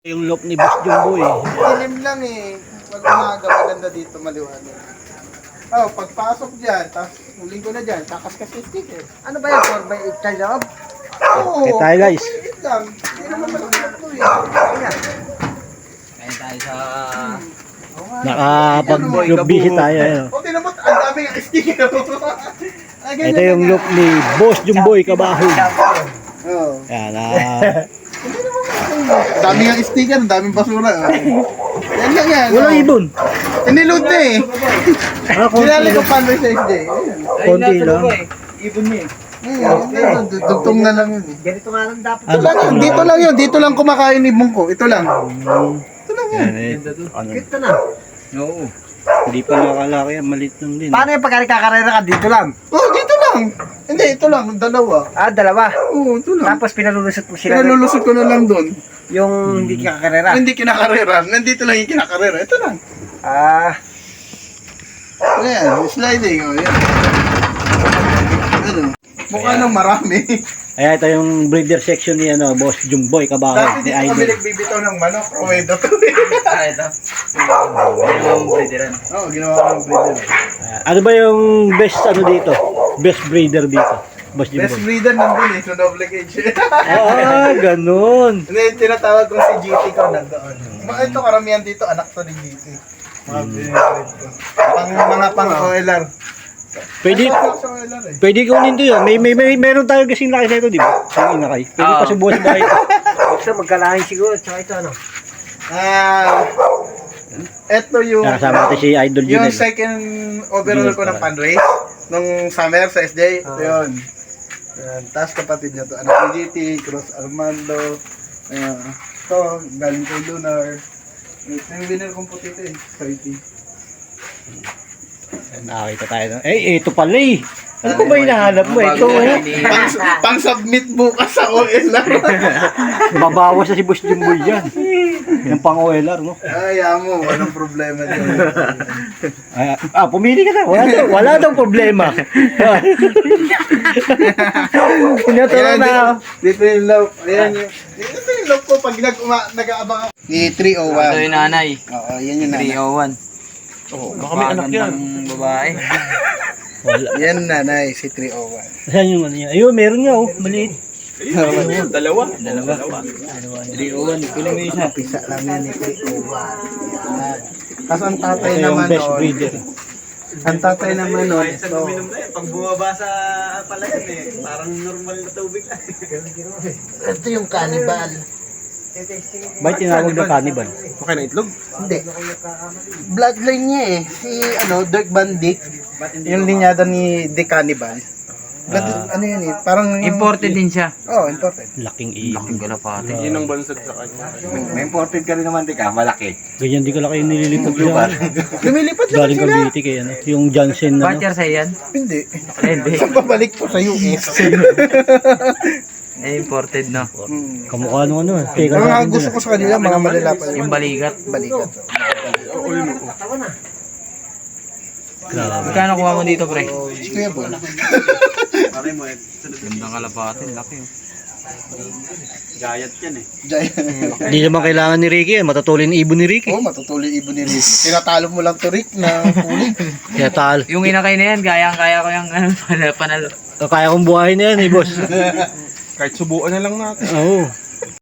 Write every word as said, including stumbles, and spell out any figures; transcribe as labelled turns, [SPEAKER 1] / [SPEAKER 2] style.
[SPEAKER 1] Yung look ni Boss Jumbo eh.
[SPEAKER 2] Dilim lang eh. Pag umaga, maganda dito maliwanag. Oh, pagpasok dyan, tapos huling ko na dyan, kakaskas yung sticker.
[SPEAKER 3] Ano ba yan? four by eight ka loob?
[SPEAKER 2] Oo.
[SPEAKER 1] Okay tayo, guys.
[SPEAKER 2] Maliit lang. Hindi naman malakot to eh.
[SPEAKER 3] Kaya tayo sa...
[SPEAKER 1] Nakapag-busy tayo. Ano.
[SPEAKER 2] O, tinamot, ang dami yung sticker. Ah, ganyan
[SPEAKER 1] Ito yung
[SPEAKER 2] lang
[SPEAKER 1] look ni Boss Jumboy Kabahoy.
[SPEAKER 2] Oo.
[SPEAKER 1] Yan ah.
[SPEAKER 2] Ang dami yung sticker, ang daming basura. Oh. Yan lang yan.
[SPEAKER 1] Walang
[SPEAKER 2] oh.
[SPEAKER 1] ibon.
[SPEAKER 2] Iniload na eh.
[SPEAKER 1] Ah, konti
[SPEAKER 2] Sinali ko
[SPEAKER 1] lang.
[SPEAKER 2] panway sa S J. Ayun.
[SPEAKER 1] Konti lang.
[SPEAKER 3] Ibon niya eh.
[SPEAKER 2] Ayun, ayun, dugtong na lang yun eh.
[SPEAKER 3] Ganito nga lang dapat.
[SPEAKER 2] Ito lang yun, dito lang yun, dito lang kumakain ibon ko. Ito lang. Ito lang yun.
[SPEAKER 1] Yan eh. Ano,
[SPEAKER 3] Cute ka na.
[SPEAKER 1] Oo. Hindi pa nakalaki yan. Malit lang din.
[SPEAKER 3] Paano yung pagka nagkakarera ka? Dito lang.
[SPEAKER 2] Oh, dito lang. Hindi, ito lang, dalawa.
[SPEAKER 3] Ah, dalawa.
[SPEAKER 2] Oo, ito lang.
[SPEAKER 3] Tapos pinalulusot mo sila.
[SPEAKER 2] Pinalulusot ko na lang doon.
[SPEAKER 3] Yung hindi ka kakarera.
[SPEAKER 2] Hindi kinakarera. Nandito lang yung kinakarera. Ito lang.
[SPEAKER 3] Ah,
[SPEAKER 2] Ayan, sliding. Oh, yan. Ano? Mukha nang marami.
[SPEAKER 1] Ayan, ito yung breeder section ni ano, Boss Jumboy Kabahoy.
[SPEAKER 2] Dati
[SPEAKER 1] Ni
[SPEAKER 2] dito kami
[SPEAKER 1] Idol.
[SPEAKER 2] nagbibitaw ng manok. O, ito.
[SPEAKER 3] ah ito. Yung breederan.
[SPEAKER 2] Oo, ginawa ko ng breeder.
[SPEAKER 1] Ah, ano ba yung best ano dito? Best breeder dito? Boss
[SPEAKER 2] Best
[SPEAKER 1] Jumboy.
[SPEAKER 2] breeder nandun eh, so double cage.
[SPEAKER 1] Ah, ganun.
[SPEAKER 2] Hindi, yung tinatawag ko si G T ko nandoon. Mga ito, karamihan dito, anak to ni G T. Mga binibreed ko. Pang, mga pang-O L R.
[SPEAKER 1] Pwede,
[SPEAKER 2] Ay, ako sa O L R eh.
[SPEAKER 1] pwede kunin to yun. May, may, may, meron tayo kasing laki na ito, di ba? Yung inakay. Pwede
[SPEAKER 3] Oo.
[SPEAKER 1] pa subukan ba ito?
[SPEAKER 3] Ito, magkalahin siguro. Tsaka ito ano.
[SPEAKER 2] Ah, ito yung,
[SPEAKER 1] Nakasama natin si Idol
[SPEAKER 2] yung
[SPEAKER 1] Junel.
[SPEAKER 2] second overall ko ng fundraise nung summer sa S J. Ito
[SPEAKER 3] Ah.
[SPEAKER 2] yun. Ayan, tapos kapatid niya to, anak ni G T, Cross Armando. Ayan, ito, galing kay Lunar. Ito yung winner kong puti ito eh, thirty.
[SPEAKER 1] Nakakita tayo. Eh, ito pala eh. Ano ko ba hinahanap mo? Ito eh.
[SPEAKER 2] pang, pang submit bukas sa O L R.
[SPEAKER 1] Babawas na si Boss Jumboy dyan. Yung pang O L R, no?
[SPEAKER 2] Ay, amo, walang problema dyan.
[SPEAKER 1] Ah, ah, pumili ka na. Wala, daw, wala daw problema. Tinaturo
[SPEAKER 2] Ayan,
[SPEAKER 1] na.
[SPEAKER 2] dito, dito yung love. Ayan yung, dito yung love ko pag nag nag-aabang ako. Ni three oh one.
[SPEAKER 3] Ito yung nanay.
[SPEAKER 2] Oo, yan yung nanay.
[SPEAKER 3] three oh one.
[SPEAKER 1] Oh, baka may anak yan.
[SPEAKER 3] Babae.
[SPEAKER 1] Wala.
[SPEAKER 2] Yan nanay, si three oh one.
[SPEAKER 1] Saan yung ano yan? Ayun, meron nga oh. Maliit.
[SPEAKER 3] Dalawa. Dalawa. three oh one. Kulang mo isa.
[SPEAKER 2] Pisa lang yan ni three oh one. Yan. Tapos ang tatay
[SPEAKER 1] Ito yung
[SPEAKER 2] naman
[SPEAKER 1] best
[SPEAKER 2] nun,
[SPEAKER 1] breeder.
[SPEAKER 2] ang tatay naman nun, ito.
[SPEAKER 3] Pag bumaba sa palayan eh, parang normal na tubig lang.
[SPEAKER 2] Ito yung cannibal.
[SPEAKER 1] Ba't tinawag na cannibal?
[SPEAKER 2] Okay na itlog? Hindi. Bloodline niya eh. Si ano, Dirk Bandit. Yung linyada ni The Cannibal. Blood,
[SPEAKER 1] Ah.
[SPEAKER 2] ano yun eh. Parang...
[SPEAKER 3] Imported din siya.
[SPEAKER 2] Oo, oh, imported.
[SPEAKER 1] Laking ibon.
[SPEAKER 3] Laking galapate.
[SPEAKER 1] Yun ang
[SPEAKER 4] May imported ka rin naman, di ka, malaki.
[SPEAKER 1] ganyan di ka laki yung nililipad sa
[SPEAKER 2] Lumilipad lang
[SPEAKER 1] galing
[SPEAKER 2] sila.
[SPEAKER 1] Cavite kay ano. Yung Johnson na ano.
[SPEAKER 3] Batcher sa yan?
[SPEAKER 2] Hindi.
[SPEAKER 3] Eh, hindi.
[SPEAKER 2] Saan babalik po sa U S?
[SPEAKER 3] Eh, imported no.
[SPEAKER 2] hmm.
[SPEAKER 1] Kamukha nung ano. Teka
[SPEAKER 2] Ang mga
[SPEAKER 1] natin
[SPEAKER 2] gusto
[SPEAKER 1] dun,
[SPEAKER 2] ko sa kanila, mga malalapad.
[SPEAKER 3] Yung balikat.
[SPEAKER 2] Balikat.
[SPEAKER 1] ah. Grabe.
[SPEAKER 3] Magkano kuha mo dito, pre?
[SPEAKER 2] Kuya Bon.
[SPEAKER 3] Gandang kalapate. Laki.
[SPEAKER 4] Gayat yan eh.
[SPEAKER 2] Giant.
[SPEAKER 1] Hindi naman kailangan ni Ricky eh. Matutulin ni ibon ni Ricky.
[SPEAKER 2] Oo, matutuloy ibon ni Rick. Tinatalo mo lang to Rick na huli.
[SPEAKER 1] Kaya tal.
[SPEAKER 3] Yung inakay na yan, kayang-kaya ko yung ano, panalo.
[SPEAKER 1] Kaya kong buhayin na yan eh, boss.
[SPEAKER 4] Kahit subuan na lang natin.
[SPEAKER 1] Oo.